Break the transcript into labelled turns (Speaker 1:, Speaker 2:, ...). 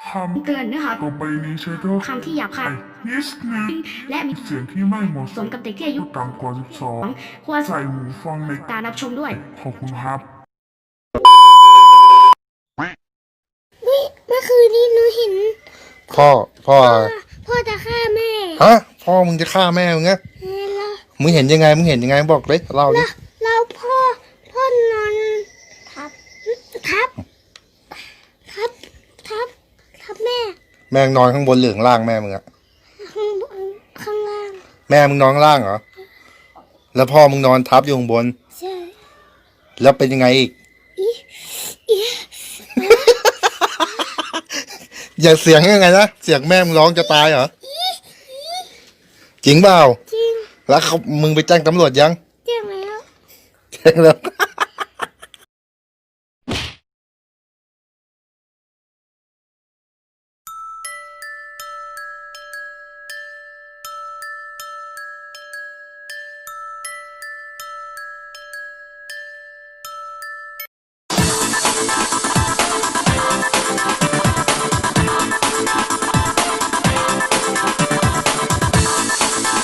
Speaker 1: เตือนเนื้อหา
Speaker 2: ต่อไปนี้ใช้ถ้อย
Speaker 1: คำที่หยาบคาย
Speaker 2: นิดนึง
Speaker 1: และมี
Speaker 2: เสียงที่ไม่เหมาะ
Speaker 1: ส
Speaker 2: ส
Speaker 1: ม
Speaker 2: ม
Speaker 1: กับเด็กที่อายุ
Speaker 2: ต่ำกว่า
Speaker 1: ควร
Speaker 2: 12 ใส่หูฟังใน
Speaker 1: การรับชมด้วย
Speaker 2: ขอบคุณครับ
Speaker 3: เมื่อคืนนี้หนูเห็น
Speaker 4: พ่อ
Speaker 3: พ่อจะฆ่าแม่
Speaker 4: ฮะ พ่อมึงจะฆ่าแม่มึงไง
Speaker 3: แล้ว
Speaker 4: มึงเห็นยังไง มึงเห็นยังไงบอกเลยเล่าดิ
Speaker 3: แล้วพ่อนอนทับทับทับทับทับแม่
Speaker 4: แม่งนอนข้างบนหรือข้างล่างแม่มึงอะ
Speaker 3: ข้างบนข้างล่าง
Speaker 4: แม่มึงนอนข้างล่างเหรอ แล้วพ่อมึงนอนทับอยู่ข้างบน
Speaker 3: ใช่
Speaker 4: แล้วเป็นยังไงอีก อย่าเสียงยังไงนะ เสียงแม่มึงร้องจะตายเหรอ จริงเปล่า
Speaker 3: จริง
Speaker 4: แล้วมึงไปแจ้งตำรวจยัง
Speaker 3: แจ้งแล้ว
Speaker 4: แจ้งแล้ว